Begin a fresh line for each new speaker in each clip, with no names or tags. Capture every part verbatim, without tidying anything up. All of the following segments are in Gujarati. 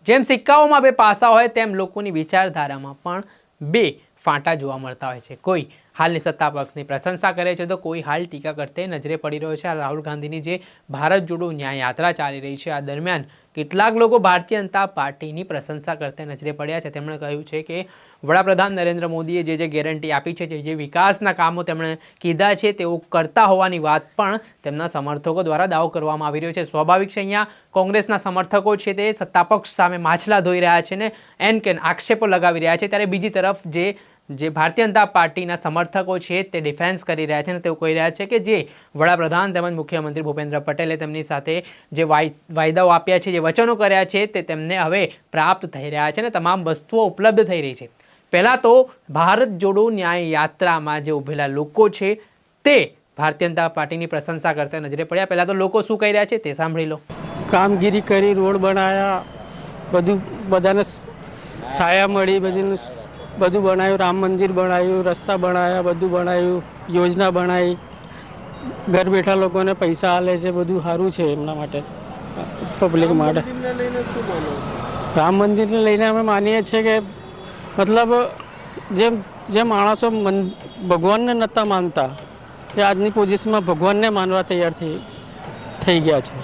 જેમ સિક્કાઓમાં બે પાસા હોય તેમ લોકોની વિચારધારામાં પણ બે ફાંટા જોવા મળતા હોય છે। કોઈ હાલની સત્તા પક્ષની પ્રશંસા કરે છે તો કોઈ હાલ ટીકા કરતે નજરે પડી રહ્યો છે। આ રાહુલ ગાંધીની જે ભારત જોડો ન્યાય યાત્રા ચાલી રહી છે, આ દરમિયાન કેટલાક લોકો ભારતીય જનતા પાર્ટીની પ્રશંસા કરતે નજરે પડ્યા છે। તેમણે કહ્યું છે કે વડાપ્રધાન નરેન્દ્ર મોદીએ જે જે ગેરંટી આપી છે, જે જે વિકાસના કામો તેમણે કીધા છે તેઓ કરતા હોવાની વાત પણ તેમના સમર્થકો દ્વારા દાવો કરવામાં આવી રહ્યો છે। સ્વાભાવિક છે, અહીંયા કોંગ્રેસના સમર્થકો છે તે સત્તાપક્ષ સામે માછલા ધોઈ રહ્યા છે ને એન કેન આક્ષેપો લગાવી રહ્યા છે, ત્યારે બીજી તરફ જે જે ભારતીય જનતા પાર્ટીના સમર્થકો છે તે ડિફેન્સ કરી રહ્યા છે અને તેઓ કહી રહ્યા છે કે જે વડાપ્રધાન તેમજ મુખ્યમંત્રી ભૂપેન્દ્ર પટેલે તેમની સાથે જે વાયદાઓ આપ્યા છે, જે વચનો કર્યા છે તે તેમને હવે પ્રાપ્ત થઈ રહ્યા છે અને તમામ વસ્તુઓ ઉપલબ્ધ થઈ રહી છે। પહેલાં તો ભારત જોડો ન્યાય યાત્રામાં જે ઉભેલા લોકો છે તે ભારતીય જનતા પાર્ટીની પ્રશંસા કરતા નજરે પડ્યા। પહેલાં તો લોકો શું કહી રહ્યા છે તે સાંભળી લો।
કામગીરી કરી, રોડ બનાવ્યા, બધું બધાને છાયા મળી, બધીનું બધું બનાવ્યું, રામ મંદિર બનાવ્યું, રસ્તા બનાવ્યા, બધું બનાવ્યું, યોજના બનાવી, ઘર બેઠા લોકોને પૈસા આલે છે, બધું સારું છે એમના માટે, પબ્લિક માટે। રામ મંદિરને લઈને અમે માનીએ છીએ કે મતલબ જેમ જે માણસો ભગવાનને નહોતા માનતા એ આજની પોઝિશનમાં ભગવાનને માનવા તૈયાર થઈ થઈ ગયા છે।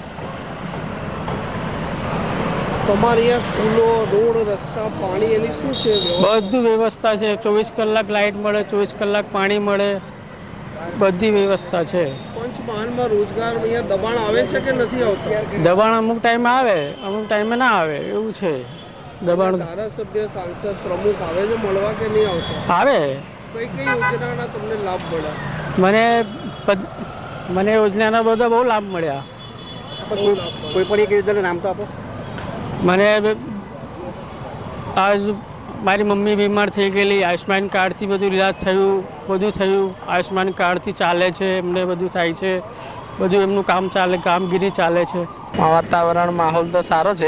તમારી અહીંયા સ્કૂલો, રોડ, રસ્તા, પાણી એની શું છે?
બધું વ્યવસ્થા છે, ચોવીસ કલાક લાઇટ મળે, ચોવીસ કલાક પાણી મળે, બધી વ્યવસ્થા છે।
પંચમહાલમાં રોજગાર અહીંયા દબાણ આવે છે કે નથી આવતા?
દબાણ અમુક ટાઈમે આવે, અમુક ટાઈમે ના આવે, એવું છે દબાણ।
ધારાસભ્ય, સાંસદ, પ્રમુખ આવે છે મળવા કે નહીં આવતા?
આવે।
કઈ કઈ યોજનાના તમને લાભ મળ્યા?
મને મને યોજનાના બધા બહુ લાભ મળ્યા।
કોઈ પણ એક યોજનાનું નામ તો આપો।
મને આજ મારી મમ્મી બીમાર થઈ ગયેલી, આયુષ્માન કાર્ડથી બધું ઇલાજ થયું, બધું થયું, આયુષ્માન કાર્ડથી ચાલે છે, એમને બધું થાય છે, બધું એમનું કામ ચાલે, કામગીરી ચાલે છે।
વાતાવરણ માહોલ તો સારો છે,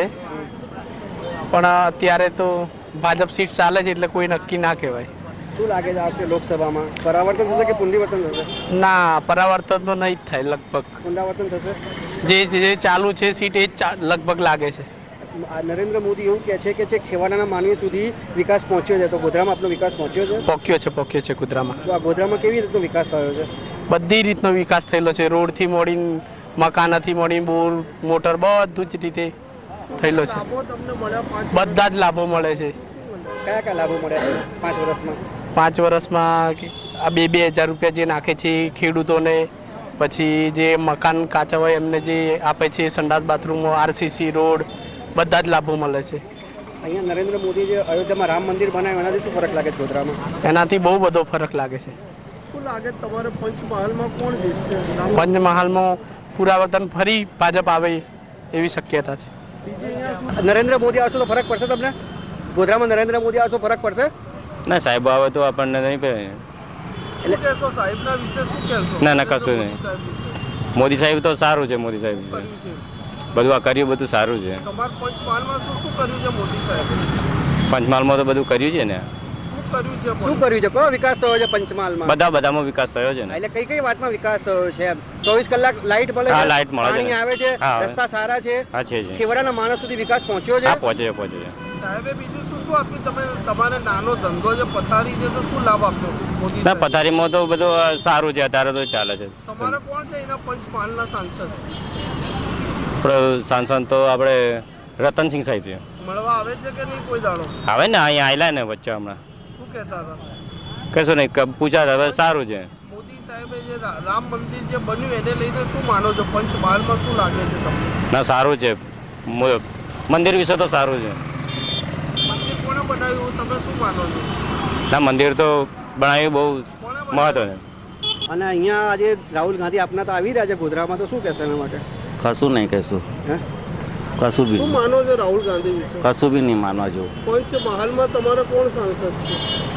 પણ અત્યારે તો ભાજપ સીટ ચાલે છે એટલે કોઈ નક્કી ના કહેવાય।
શું લાગે છે આપણે લોકસભામાં પરાવર્તન થશે કે પુનરાવર્તન થશે?
ના, પરાવર્તન તો નહીં જ થાય, લગભગ
પુનરાવર્તન થશે।
જે જે ચાલુ છે સીટ એ જ લગભગ લાગે છે।
નરેન્દ્ર મોદી એવું કહે છે કે છેક છેવાડાના માનવી સુધી વિકાસ પહોંચ્યો છે, તો ગોધરામાં આપનો વિકાસ પહોંચ્યો છે?
પોક્યો છે પોક્યો છે ગોધરામાં।
તો આ ગોધરામાં કેવી રીતનો વિકાસ થયો છે?
બધી રીતનો વિકાસ થયેલો છે, રોડથી મોડીને મકાનથી મોડીને બોર, મોટર, બધું જ રીતે થયેલો છે। બધા જ લાભો મળે છે।
કયા કયા લાભો મળ્યા છે પાંચ વર્ષમાં?
પાંચ વર્ષમાં આ બે બે હજાર રૂપિયા જે નાખે છે ખેડૂતોને, પછી જે મકાન કાચા હોય એમને જે આપે છે, સંડાસ બાથરૂમો, આરસીસી રોડ, બધા જ લાભો મળે છે।
અહીંયા નરેન્દ્ર મોદી જે અયોધ્યામાં રામ મંદિર બનાવ્યું એનાથી શું ફરક લાગે છે ગોધરામાં?
એનાથી બહુ બધો ફરક લાગે છે।
શું લાગે તમારે પંચમહાલમાં કોણ જીતશે?
પંચમહાલમાં પુરાવર્તન ફરી ભાજપ આવે એવી શક્યતા છે।
નરેન્દ્ર મોદી આવશે તો ફરક પડશે તમને? ગોધરામાં નરેન્દ્ર મોદી આવશે ફરક પડશે?
ના, સાહેબ આવે તો આપણને નહીં પડે।
શું કહેશો સાહેબના વિશે? શું કહેશો?
ના ના, કશું નહીં। મોદી સાહેબ તો સારું છે, મોદી સાહેબ છે, બધું આ કર્યું, બધું સારું છે।
તમારા પંચમહાલમાં શું શું કર્યું છે મોદી સાહેબ?
પંચમહાલમાં તો બધું કર્યું છે ને।
શું કર્યું છે? શું કર્યું છે? કયો વિકાસ થયો છે પંચમહાલમાં?
બધા બધામાં વિકાસ થયો છે ને।
એટલે કઈ કઈ વાતમાં વિકાસ થયો છે? ચોવીસ કલાક લાઇટ મળે
હા,
છે,
લાઇટ મળે છે,
પાણી આવે છે,
હા,
રસ્તા સારા છે,
હા છે છે।
છેવાડાના માણસ સુધી વિકાસ પહોંચ્યો છે?
હા, પહોંચે છે, પહોંચે છે।
સાહેબે બીજું શું શું આપ્યું? તમે તમારે નાનો ધંધો છે, પથારી છે, તો શું લાભ આપ્યો મોદી
ના,
સાહેબે?
પથારીમાં તો બધું સારું છે, અત્યારે તો ચાલે છે।
તમારે કોણ છે એના પંચમહાલના સાંસદ?
આપણે સાંસદ તો આપણે રતનસિંહ સાહેબ છે।
મળવા આવે છે કે નહીં કોઈ દાડો?
આવે ને, અહીંયા આવેલા ને વચ્ચે હમણાં।
શું કહેતા હતા?
કશું નહીં, પૂછ્યા હવે સારું છે।
મોદી સાહેબે જે રા- રામ મંદિર જે બન્યું એને લઈને શું માનો છો? પંચમહાલમાં શું લાગે છે તમને?
ના, સારું છે, મ- મંદિર વિશે તો સારું છે।
મંદિર કોણે બનાવ્યું તમે શું માનો છો?
ના, મંદિર તો બનાવ્યું બહુ
કોણે
મહત્વ છે।
અને અહીંયા આજે રાહુલ ગાંધી આપના તો આવી રહ્યા છે ગોધરામાં, તો શું કહેશો એના માટે?
કશું નહીં કહેશું,
હે?
કશું બી
શું
નહીં,
માનો છો રાહુલ ગાંધી વિશે?
કશું બી નહીં માનવા જેવું,
પંચમહાલમાં તમારે કોણ સાંસદ છે?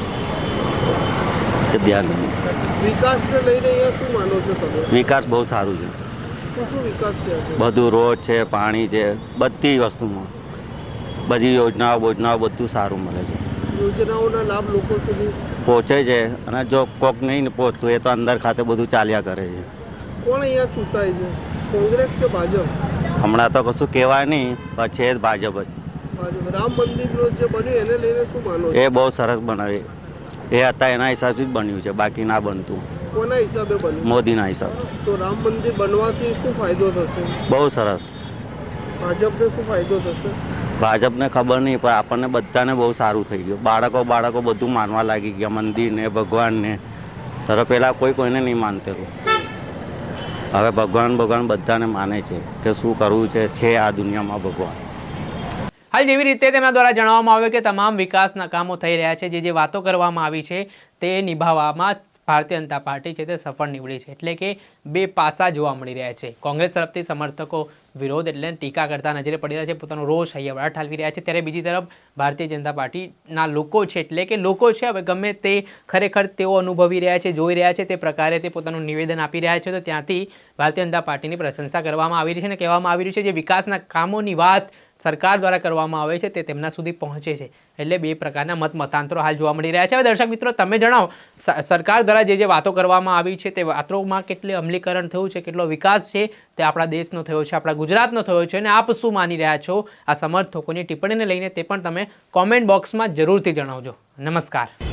એ ધ્યાન નહીં।
વિકાસને લઈને અહીંયા શું માનો છો તમે?
વિકાસ બહુ સારું છે,
શું શું વિકાસ થયા છે?
બધું રોડ છે, પાણી છે, બધી વસ્તુમાં બધી યોજનાઓ બોજનાઓ બધું સારું મળે છે,
યોજનાઓના લાભ લોકો સુધી
પહોંચે છે। અને જો કોક નહીં પહોંચતું એ તો અંદર ખાતે બધું ચાલ્યા કરે છે।
કોણ અહીંયા ચૂંટાય છે, કોંગ્રેસ કે ભાજપ?
હમણાં તો કશું કહેવાય નહીં, પણ છે જ ભાજપ જ।
બાજુ રામ મંદિરનું જે બન્યું એને લઈને શું માનો છો?
એ બહુ સરસ બનાવે એ હતા એના હિસાબથી જ બન્યું છે, બાકી ના બનતું.
કોના હિસાબે બન્યું?
મોદીના હિસાબ.
તો રામ મંદિર બનવાથી શું ફાયદો થશે?
બહુ સરસ.
ભાજપને શું ફાયદો થશે?
ભાજપને ખબર નહીં, પણ આપણને બધાને બહુ સારું થઈ ગયું. બાળકો બાળકો બધું માનવા લાગી ગયા, મંદિરને ભગવાનને. તરફ પહેલાં કોઈ કોઈને નહીં માનતેલું, હવે ભગવાન ભગવાન બધાને માને છે કે શું કરવું છે છે આ દુનિયામાં ભગવાન.
હાલ જેવી રીતે તેમના દ્વારા જણાવવામાં આવ્યું કે તમામ વિકાસના કામો થઈ રહ્યા છે, જે જે વાતો કરવામાં આવી છે તે નિભાવવામાં ભારતીય જનતા પાર્ટી છે તે સફળ નીવડી છે. એટલે કે બે પાસા જોવા મળી રહ્યા છે. કોંગ્રેસ તરફથી સમર્થકો વિરોધ એટલે ટીકા કરતા નજરે પડી રહ્યા છે, પોતાનો રોષ હૈયાવડા ઠાલવી રહ્યા છે. ત્યારે બીજી તરફ ભારતીય જનતા પાર્ટીના લોકો છે, એટલે કે લોકો છે હવે ગમે તે ખરેખર તેઓ અનુભવી રહ્યા છે, જોઈ રહ્યા છે, તે પ્રકારે તે પોતાનું નિવેદન આપી રહ્યા છે. તો ત્યાંથી ભારતીય જનતા પાર્ટીની પ્રશંસા કરવામાં આવી રહી છે અને કહેવામાં આવી રહ્યું છે જે વિકાસના કામોની વાત સરકાર દ્વારા કરવામાં આવે છે તે તેમના સુધી પહોંચે છે. એટલે બે પ્રકારના મત મતાંતરો હાલ જોવા મળી રહ્યા છે. હવે દર્શક મિત્રો તમે જણાવો, સરકાર દ્વારા જે જે વાતો કરવામાં આવી છે તે વાતોમાં કેટલી અમલીકરણ થયું છે, કેટલો વિકાસ છે તે આપણા દેશનો થયો છે, આપણા ગુજરાતનો થયો છે, અને આપ શું માની રહ્યા છો આ સમર્થકોની ટિપ્પણીને લઈને તે પણ તમે કોમેન્ટ બોક્સમાં જરૂરથી જણાવજો. નમસ્કાર.